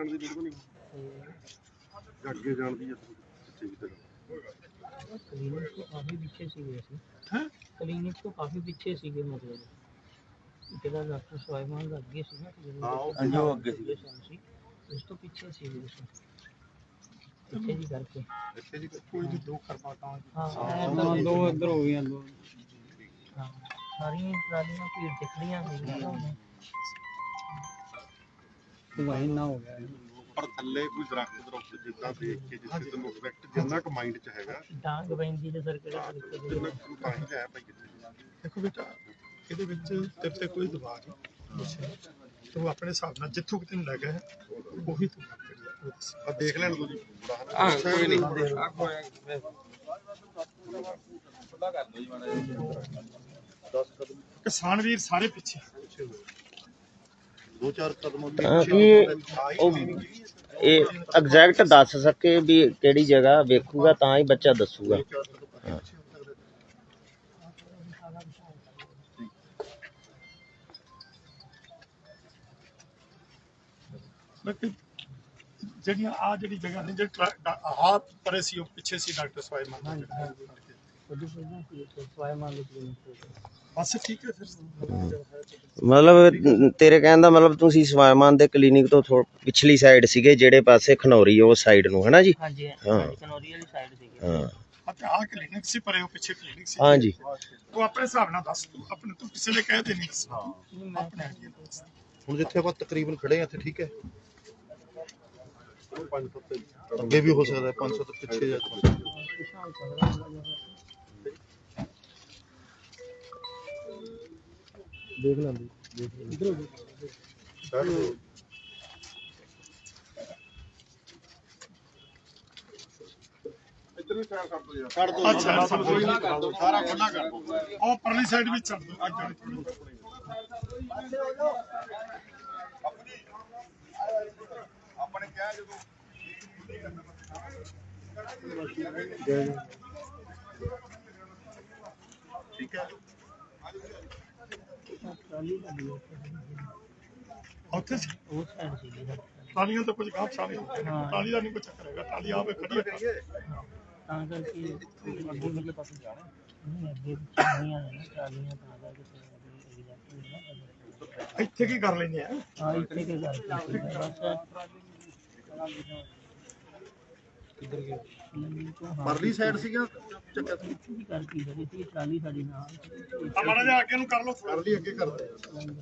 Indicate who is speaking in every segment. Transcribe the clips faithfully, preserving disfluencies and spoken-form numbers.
Speaker 1: ਜਾਣ ਦੀ ਲੋੜ ਨਹੀਂ ਅੱਗੇ ਜਾਣ ਦੀ ਪਿੱਛੇ ਵੀ ਤੇਰਾ
Speaker 2: क्लिनिक तो काफ़ी पीछे सी वैसे हैं क्लिनिक तो काफ़ी पीछे सी मतलब जेड़ा डॉक्टर स्वाइमान का अगे सी ना हां जो अगे सी उस तो पीछे सी वैसे पीछे जी करके पीछे जी कोई भी दो कर पाता हूं हां दो इधर हो गया दो हां सारी ट्रालियां भीड़ दिख रही हैं तो वही ना हो गया
Speaker 1: पर थल्ले कोई दरख्त दरख्त जिद्दां देख के जिथे तैਨੂੰ ਇਫੈਕਟ ਜਿੰਨਾ ਕ ਮਾਈਂਡ ਚ ਹੈਗਾ
Speaker 2: ਡਾਂਗ ਪੈਂਦੀ ਤੇ ਸਰ ਕਿਹੜਾ
Speaker 1: ਜਿੰਨਾ ਕੁ ਤਾਂ ਹੀ ਹੈ ਭਾਈ ਕਿੱਥੇ
Speaker 3: ਦੇਖੋ ਬੇਟਾ ਇਹਦੇ ਵਿੱਚ ਤੇਰੇ ਤੇ ਕੋਈ ਦਬਾਅ ਨਹੀਂ ਤੂੰ ਆਪਣੇ ਹਿਸਾਬ ਨਾਲ ਜਿੱਥੋਂ ਕਿ ਤੈਨੂੰ ਲੱਗਾ ਹੈ ਉਹੀ ਤੂੰ
Speaker 1: ਆ ਦੇਖ ਲੈਣ ਤੁਸੀਂ
Speaker 3: ਆ ਕੋਈ ਨਹੀਂ ਆ ਕੋਈ
Speaker 1: ਖੁੱਲਾ ਕਰ ਦੋ ਜੀ ਮਾੜਾ ਦਸ ਕਦਮ
Speaker 3: ਕਿਸਾਨ ਵੀਰ ਸਾਰੇ ਪਿੱਛੇ
Speaker 1: दो चार कदम
Speaker 4: ਇਹ ਐਗਜ਼ੈਕਟ ਦੱਸ ਸਕੇ ਵੀ ਕਿਹੜੀ ਜਗ੍ਹਾ ਵੇਖੂਗਾ ਤਾਂ ਹੀ ਬੱਚਾ ਦੱਸੂਗਾ
Speaker 3: ਜਿਹੜੀਆਂ ਆ ਜਿਹੜੀ ਜਗ੍ਹਾ ਨੇ ਜਿਹੜਾ ਆਹ ਪਰੇ ਸੀ ਉਹ ਪਿੱਛੇ ਸੀ ਡਾਕਟਰ ਸਵਾਈਮਾਨ
Speaker 2: ਸਵਾਈਮਾਨ ਦੀ ਕਲੀਨਿਕ
Speaker 3: ਬਸ ਠੀਕ ਹੈ ਫਿਰ
Speaker 4: ਮਤਲਬ ਤੇਰੇ ਕਹਿਣ ਦਾ ਮਤਲਬ ਤੁਸੀਂ ਸਵਾਈਮਾਨ ਦੇ ਕਲੀਨਿਕ ਤੋਂ ਥੋੜਾ ਪਿਛਲੀ ਸਾਈਡ ਸੀਗੇ ਜਿਹੜੇ ਪਾਸੇ ਖਨੌਰੀ ਉਹ ਸਾਈਡ ਨੂੰ ਹੈ ਨਾ ਜੀ
Speaker 2: ਹਾਂਜੀ
Speaker 4: ਹਾਂ
Speaker 2: ਖਨੌਰੀ ਵਾਲੀ ਸਾਈਡ ਸੀਗੀ
Speaker 4: ਹਾਂ
Speaker 3: ਅਤੇ ਆਹ ਕਲੀਨਿਕ ਸੀ ਪਰੇ ਉਹ ਪਿੱਛੇ ਕਲੀਨਿਕ ਸੀ
Speaker 4: ਹਾਂਜੀ
Speaker 3: ਤੂੰ ਆਪਣੇ ਹਿਸਾਬ ਨਾਲ ਦੱਸ ਤੂੰ ਆਪਣੇ ਤੂੰ ਕਿਸੇ ਨੇ ਕਹਿ ਦੇ ਨਹੀਂ ਹਾਂ ਆਪਣੇ
Speaker 1: ਹੁਣ ਜਿੱਥੇ ਆਪਾਂ ਤਕਰੀਬਨ ਖੜੇ ਆ ਇੱਥੇ ਠੀਕ ਹੈ ਪੰਜ ਸੱਤ ਅੱਗੇ ਵੀ ਹੋ ਸਕਦਾ ਪੰਜ ਸੱਤ ਪਿੱਛੇ ਜਾ
Speaker 3: ਦੇਖ ਲੈਂਦੀ ਇਧਰ
Speaker 1: ਇੱਧਰ ਵੀ ਟਾਇਰ ਕੱਢ ਦੋ ਯਾਰ ਕੱਢ ਦੋ
Speaker 3: ਅੱਛਾ ਕੋਈ ਨਾ ਕਰ ਦੋ ਸਾਰਾ ਖੁੱਲਾ ਕਰ ਦੋ ਉਹ ਪਰਲੀ ਸਾਈਡ ਵੀ ਛੱਡ ਦੋ ਅੱਗੇ ਆਪਣੇ ਕਿਹਾ ਜਦੋਂ ਠੀਕ ਹੈ ਉੱਥੇ
Speaker 2: ਉਹ ਸਾਈਡ ਸੀਗੀ
Speaker 3: ਟਾਲੀਆਂ ਤਾਂ ਕੁਝ ਕੰਮ ਸਾਰੇ ਟਾਲੀ ਦਾ ਨਹੀਂ ਕੋਈ ਚੱਕਰ ਹੈਗਾ ਟਾਲੀ ਆਵੇ ਖੜੀ ਹੈ
Speaker 2: ਤਾਂ ਕਰਕੇ ਅੱਗੇ ਵਾਲੇ ਪਾਸੇ ਜਾਣਾ ਨਹੀਂ ਅੱਗੇ ਨਹੀਂ ਆਣਾ ਟਰਾਲੀਆਂ ਤਾਂ ਕਰਕੇ
Speaker 3: ਇੱਥੇ ਕੀ ਕਰ ਲੈਂਦੇ ਆ
Speaker 2: ਹਾਂ ਇੱਥੇ ਕੀ ਕਰਦੇ ਬਸ
Speaker 3: ਕਿੱਧਰ ਗਏ
Speaker 1: ਪਰਲੀ ਸਾਈਡ ਸੀਗਾ ਚੱਕਰ
Speaker 2: ਕੀ ਕਰਦੀ ਜਿਹੜੀ ਸੀ ਟਰਾਲੀ ਸਾਡੀ ਨਾਲ
Speaker 3: ਮਾੜਾ ਜਿਹਾ ਅੱਗੇ ਨੂੰ ਕਰ ਲਓ
Speaker 1: ਕਰ ਲਈ ਅੱਗੇ ਕਰ ਦੇ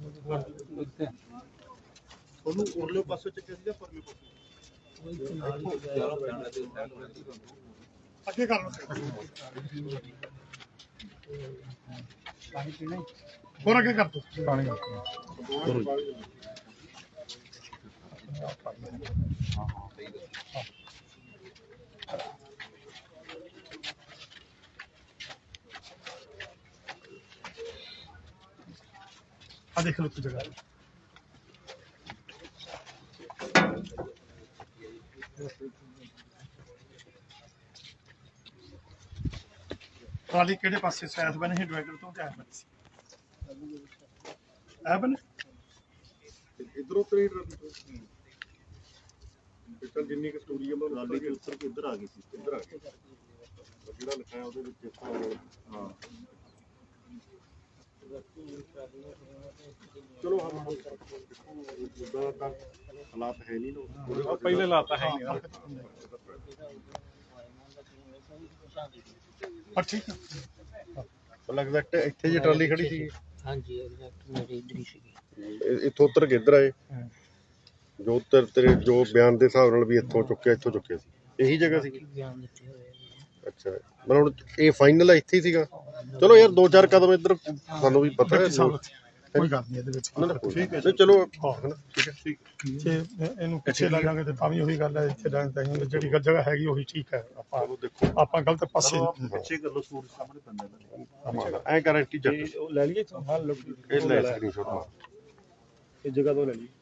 Speaker 1: ਉਹਨੂੰ ਉਰਲੇ ਪਾਸੇ ਚੱਕਿਆ ਸੀਗਾ ਪਰਲੇ ਪਾਸੇ
Speaker 3: ਅੱਗੇ ਕਰ ਲਓ
Speaker 2: ਪਾਣੀ ਪੀਣਾ
Speaker 3: ਹੋਰ ਅੱਗੇ ਕਰ ਦੋ ਪਾਣੀ ਆ ਦੇਖ ਲਓ ਕਿ ਜਗ੍ਹਾ ਟਰਾਲੀ ਕਿਹੜੇ ਪਾਸੇ ਸੈਸ ਬਣੇ ਸੀ ਡਿਵਾਈਡਰ ਤੋਂ ਕਿਆ ਬਣੇ ਸੀ ਐ ਬਣੇ
Speaker 1: ਇਧਰੋਂ ਤਰੀ ਟਰਾਲੀ ਤੋਂ ਜਿੰਨੀ ਕਿ ਸਟੋਰੀ ਹੈ ਮੈਂ ਟਰਾਲੀ ਦੇ ਉੱਤਰ ਕੇ ਇੱਧਰ ਆ ਗਈ ਸੀ ਇੱਧਰ ਆ ਗਈ ਜਿਹੜਾ ਲਿਖਿਆ ਉਹਦੇ ਵਿੱਚ ਇਸ ਤਰ੍ਹਾਂ ਹਾਂ ਚਲੋ ਹਾਂ ਜਿੱਦਾਂ ਹਾਲਾਤ ਹੈ ਨਹੀਂ ਨਾ
Speaker 3: ਪਹਿਲੇ ਲਾਤਾ ਹੈ ਨਹੀਂ ਹਾਂ ਠੀਕ ਹੈ
Speaker 1: ਲੱਗਦਾ ਇੱਥੇ ਜੇ ਟਰਾਲੀ ਖੜੀ ਸੀ
Speaker 2: ਹਾਂਜੀ ਐਗਜ਼ੈਕਟ ਮੇਰੇ ਇਧਰ ਹੀ ਸੀਗੀ
Speaker 1: ਇੱਥੋਂ ਉੱਤਰ ਕੇ ਇੱਧਰ ਆਏ ਜੋ ਉੱਤਰ ਤੇਰੇ ਜੋ ਬਿਆਨ ਦੇ ਹਿਸਾਬ ਨਾਲ ਵੀ ਇੱਥੋਂ ਚੁੱਕਿਆ ਇੱਥੋਂ ਚੁੱਕਿਆ ਸੀ ਇਹੀ ਜਗ੍ਹਾ ਸੀ
Speaker 2: ਬਿਆਨ ਦਿੱਤੇ ਹੋਏ
Speaker 1: ਅੱਛਾ ਮਤਲਬ ਹੁਣ ਇਹ ਫਾਈਨਲ ਹੈ ਇੱਥੇ ਹੀ ਸੀਗਾ ਚਲੋ ਯਾਰ ਦੋ ਚਾਰ ਕਦਮ ਇੱਧਰ ਸਾਨੂੰ ਵੀ ਪਤਾ ਹੈ
Speaker 3: ਕੋਈ ਗੱਲ ਨਹੀਂ ਇਹਦੇ ਵਿੱਚ
Speaker 1: ਠੀਕ ਹੈ ਚਲੋ ਠੀਕ ਹੈ ਠੀਕ
Speaker 3: ਜੇ ਇਹਨੂੰ ਪਿੱਛੇ ਲਾ ਜਾਵਾਂਗੇ ਤੇ ਤਾਂ ਵੀ ਉਹੀ ਗੱਲ ਹੈ ਇੱਥੇ ਰਹਿਣ ਤਾਂ ਜਿਹੜੀ ਜਗ੍ਹਾ ਹੈਗੀ ਉਹੀ ਠੀਕ ਹੈ ਆਪਾਂ
Speaker 1: ਦੇਖੋ
Speaker 3: ਆਪਾਂ ਗਲਤ ਪਾਸੇ
Speaker 1: ਪਿੱਛੇ ਕਰ ਲਓ ਸੂਰਜ ਸਾਹਮਣੇ ਪੈਂਦਾ ਐ ਗਾਰੰਟੀ ਜੱਟ
Speaker 3: ਉਹ ਲੈ ਲਈਏ ਹਾਂ ਲੋ
Speaker 1: ਇਹ ਲੈ ਸਕਰੀਨਸ਼ਾਟ ਮਾਰ
Speaker 3: ਇਹ ਜਗ੍ਹਾ ਤੋਂ ਲੈ ਲਈ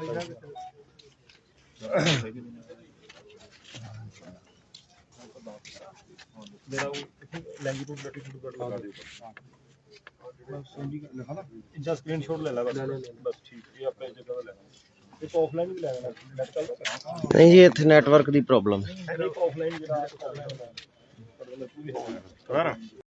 Speaker 3: ਮੇਰਾ ਉਹ ਲੈਂਗੀਟਿਊਡ ਲੈਟੀਟਿਊਡ ਕੱਢ ਲਗਾ ਦਿਓ ਬਸ ਸਮਝੀ ਲਿਖਾ ਨਾ ਇੰਜਾ ਸਕਰੀਨਸ਼ਾਟ ਲੈ ਲੈ ਬਸ ਬਸ ਠੀਕ ਇਹ ਆਪਣੇ ਜਗ੍ਹਾ ਦਾ ਲੈਣਾ ਇੱਕ ਆਫਲਾਈਨ ਵੀ ਲੈ ਲੈਣਾ ਨੈਟ ਚੱਲਦਾ
Speaker 4: ਨਹੀਂ ਜੀ ਇੱਥੇ ਨੈਟਵਰਕ ਦੀ ਪ੍ਰੋਬਲਮ ਹੈ
Speaker 3: ਆਫਲਾਈਨ ਜਿਹੜਾ